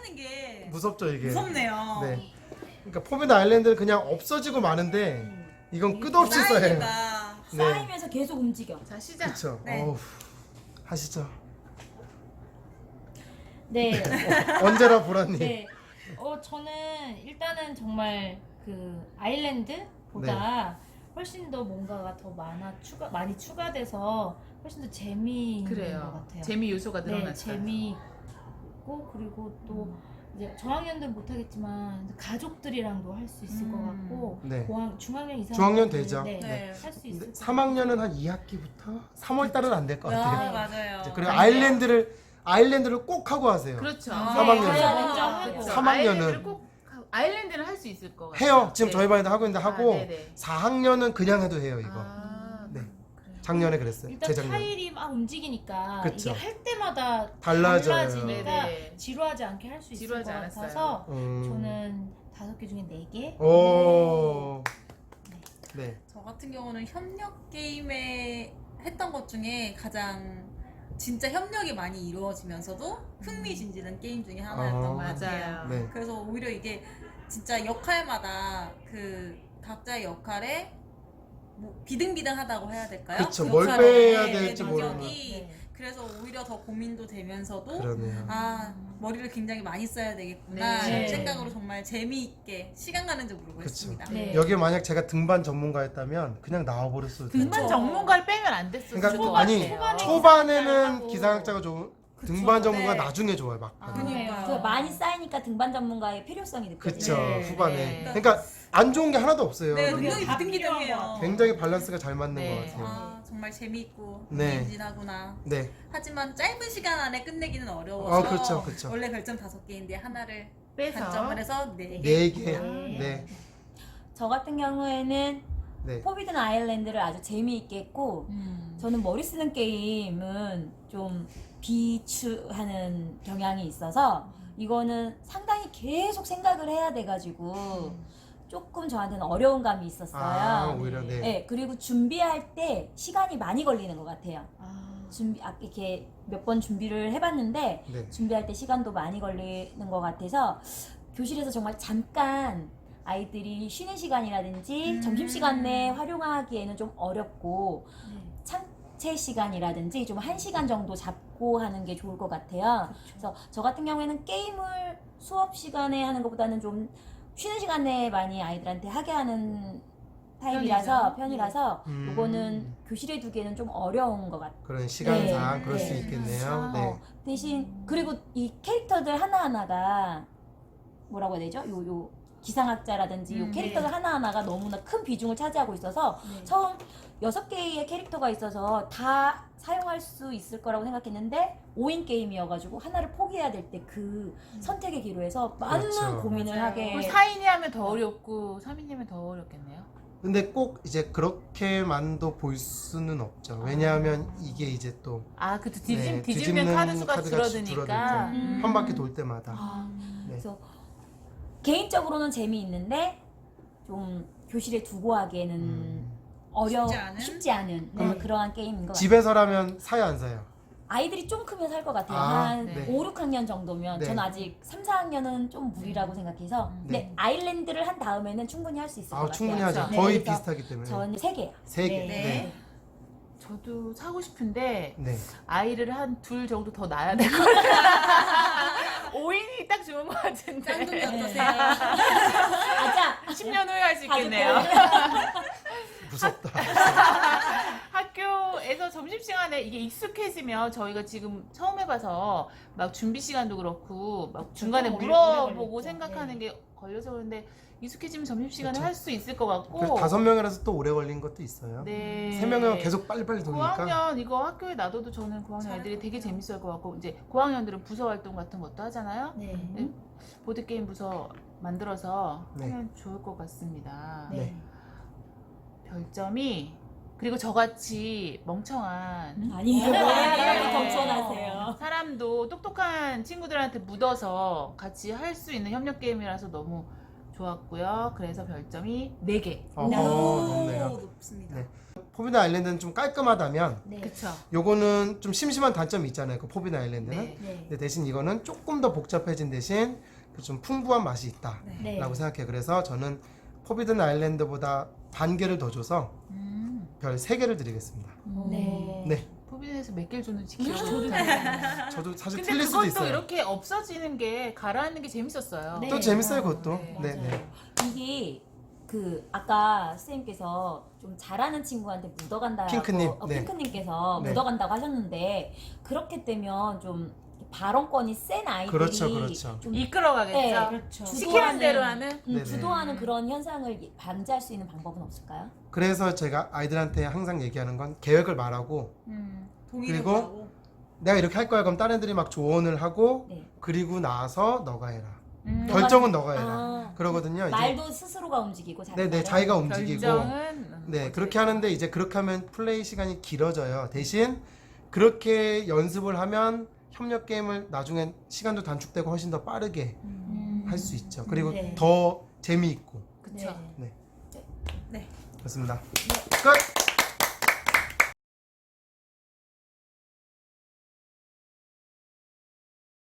쌓이는 게 무섭죠 이게. 무섭네요. 네. 그러니까 포비드 아일랜드는 그냥 없어지고 마는데 이건 끝없이 쌓여요. 쌓이니까 네. 쌓이면서 계속 움직여. 자 시작. 그렇죠. 네. 어우, 하시죠. 네. 언제나 보라님. 네. 저는 일단은 정말 그 아일랜드보다 훨씬 더 뭔가가 더 많이 추가돼서 훨씬 더 재미있는 것 그래요. 같아요. 재미 요소가 네, 늘어났어요. 재미있고 그리고 또 이제 저학년들은 못하겠지만 가족들이랑도 할 수 있을 것 같고 네. 중학년 이상 중학년 되죠. 네, 네. 할 수 근데 있을 것 3학년은 한 2학기부터 3월 달은 안 될 것 아, 같아요. 맞아요. 이제 그리고 아일랜드를 꼭 하고 하세요. 그렇죠. 아, 3학년은. 가야 먼저 하고. 그렇죠. 3학년은. 아일랜드를 꼭 아일랜드는 할 수 있을 것 같아요. 해요. 지금 네. 저희 반에도 하고 있는데 하고 네네. 4학년은 그냥 해도 해요 이거. 아, 네. 그래요. 작년에 그랬어요. 일단 재작년. 타일이 막 움직이니까 그쵸. 이게 할 때마다 달라져요. 달라지니까 네네. 지루하지 않게 할 수 있을 것 지루하지 않았어요. 같아서 음. 저는 5개 중에 4개. 오. 네. 저 같은 경우는 협력 게임에 했던 것 중에 가장 진짜 협력이 많이 이루어지면서도 흥미진진한 게임 중에 하나였던 아, 것 같아요. 맞아요. 네. 그래서 오히려 이게 진짜 역할마다 그 각자의 역할에 뭐 비등비등하다고 해야 될까요? 그쵸. 그 뭘 역할의 빼야 될지 능력이 네. 그래서 오히려 더 고민도 되면서도 그러네요. 아 머리를 굉장히 많이 써야 되겠구나 네. 이런 생각으로 정말 재미있게 시간 가는 줄 모르고 그쵸. 했습니다. 네. 여기 만약 제가 등반 전문가였다면 그냥 나와버렸어요. 등반 그쵸. 전문가를 빼면 안 됐을 그러니까 것 아니, 같아요. 초반에는 하고. 기상학자가 좋은 그쵸. 등반 전문가 네. 나중에 좋아요 막. 아, 그러니까요. 그 많이 쌓이니까 등반 전문가의 필요성이 그쵸. 느껴져요. 네. 후반에. 네. 그러니까 안 좋은 게 하나도 없어요. 네, 여기. 능력이 다 비등비등해요. 필요한 것 굉장히 밸런스가 잘 맞는 네. 것 같아요. 아 정말 재미있고 네. 흥미진진하구나. 네. 하지만 짧은 시간 안에 끝내기는 어려워서 그렇죠, 그렇죠. 원래 별점 5개인데 하나를 빼서 단점을 해서 4개. 4개. 네. 네. 저 같은 경우에는 네. 포비든 아일랜드를 아주 재미있게 했고 저는 머리 쓰는 게임은 좀 비추하는 경향이 있어서 이거는 상당히 계속 생각을 해야 돼가지고 조금 저한테는 어려운 감이 있었어요. 아, 오히려 네. 네, 그리고 준비할 때 시간이 많이 걸리는 것 같아요. 아, 이렇게 몇 번 준비를 해봤는데 네. 준비할 때 시간도 많이 걸리는 것 같아서 교실에서 정말 잠깐 아이들이 쉬는 시간이라든지 점심시간 내에 활용하기에는 좀 어렵고 창체 시간이라든지 좀 1시간 정도 잡고 하는 게 좋을 것 같아요. 그래서 저 같은 경우에는 게임을 수업 시간에 하는 것보다는 좀 쉬는 시간에 많이 아이들한테 하게 하는 편이라서 요거는 교실에 두기에는 좀 어려운 것 같아요. 그런 시간상 네. 그럴 수 네. 있겠네요. 네. 대신 그리고 이 캐릭터들 하나하나가 뭐라고 해야 되죠? 요 기상학자라든지 요 캐릭터들 하나하나가 너무나 큰 비중을 차지하고 있어서 처음 6개의 캐릭터가 있어서 다 사용할 수 있을 거라고 생각했는데 5인 게임이어가지고 하나를 포기해야 될 때 그 선택의 기로에서 많은 그렇죠. 고민을 맞아요. 하게 그럼 4인이 하면 더 어렵고 3인이 하면 더 어렵겠네요. 근데 꼭 이제 그렇게만도 볼 수는 없죠. 왜냐하면 이게 이제 또 아, 그쵸. 네, 뒤집는 카드 수가 카드가 줄어드니까. 음. 한 바퀴 돌 때마다. 네. 그래서 개인적으로는 재미있는데 좀 교실에 두고 하기에는 쉽지 않은 그럼 그러한 게임인 것 같아요. 집에서라면 사요 안 사요? 아이들이 좀 크면 살 것 같아요. 아, 한 네. 5, 6학년 정도면. 네. 전 아직 3, 4학년은 좀 무리라고 생각해서. 근데 아일랜드를 한 다음에는 충분히 할 수 있을 것 같아요. 충분히 하죠. 네, 거의 그래서 비슷하기 때문에. 저는 3개요. 3개. 네. 네. 저도 사고 싶은데 네. 아이를 한 둘 정도 더 낳아야 될 것 같아요. 5인이 딱 좋은 것 같은데. 짠둥이 어떠세요? 아자! 10년 후에 할 수 있겠네요. 무섭다. 학교에서 점심시간에 이게 익숙해지면 저희가 지금 처음 해봐서 막 준비 시간도 그렇고 막 중간에 오래 물어보고 걸렸죠. 생각하는 게 걸려서 그런데 익숙해지면 점심시간에 그쵸. 할 수 있을 것 같고. 그래서 5명이라서 또 오래 걸린 것도 있어요. 네. 3명이면 계속 빨리빨리 돌니까. 9학년 이거 학교에 놔둬도 저는 9학년 잘할 애들이 것 되게 같아요. 재밌을 것 같고 이제 9학년들은 부서 활동 같은 것도 하잖아요. 네. 네. 보드게임 부서 만들어서 네. 하면 좋을 것 같습니다. 네. 별점이 그리고 저같이 멍청한 아니에요. 네. 또 겸손하세요. 사람도 똑똑한 친구들한테 묻어서 같이 할 수 있는 협력 게임이라서 너무 좋았고요. 그래서 별점이 4개. 높네요. 높습니다. 네. 포비드 아일랜드는 좀 깔끔하다면 네. 그쵸? 요거는 좀 심심한 단점이 있잖아요. 그 포비드 아일랜드는. 네. 네. 근데 대신 이거는 조금 더 복잡해진 대신 그 좀 풍부한 맛이 있다라고 네. 네. 생각해요. 그래서 저는 포비드 아일랜드보다 반 개를 더 줘서 별 3개를 드리겠습니다. 네. 네. 포비드에서 몇 개를 줬는지 기억이 저도 못 나요. 저도 사실 근데 틀릴 수도 그것도 있어요. 이렇게 없어지는 게 가라앉는 게 재밌었어요. 네. 또 재밌어요, 그것도. 네, 네, 맞아요. 네. 이게 그 아까 선생님께서 좀 잘하는 친구한테 묻어간다고 핑크님, 네. 핑크님께서 네. 묻어간다고 하셨는데 그렇게 되면 좀 발언권이 센 아이들이 그렇죠, 그렇죠. 좀 이끌어가겠죠. 네, 그렇죠. 시키는 대로 하는. 네네. 주도하는 그런 현상을 방지할 수 있는 방법은 없을까요? 그래서 제가 아이들한테 항상 얘기하는 건 계획을 말하고 동의를 그리고 구하고. 내가 이렇게 할 거야 그럼 다른 애들이 막 조언을 하고 네. 그리고 나서 너가 해라. 음. 결정은 너가 해라. 아, 그러거든요. 이제 말도 스스로가 움직이고 네네 자기가 움직이고 결정은 네 그렇게 하는데 이제 그렇게 하면 플레이 시간이 길어져요. 대신 그렇게 연습을 하면 협력 게임을 나중엔 시간도 단축되고 훨씬 더 빠르게 할 수 있죠. 그리고 네. 더 재미있고 그쵸. 네. 네 네. 그렇습니다. 끝.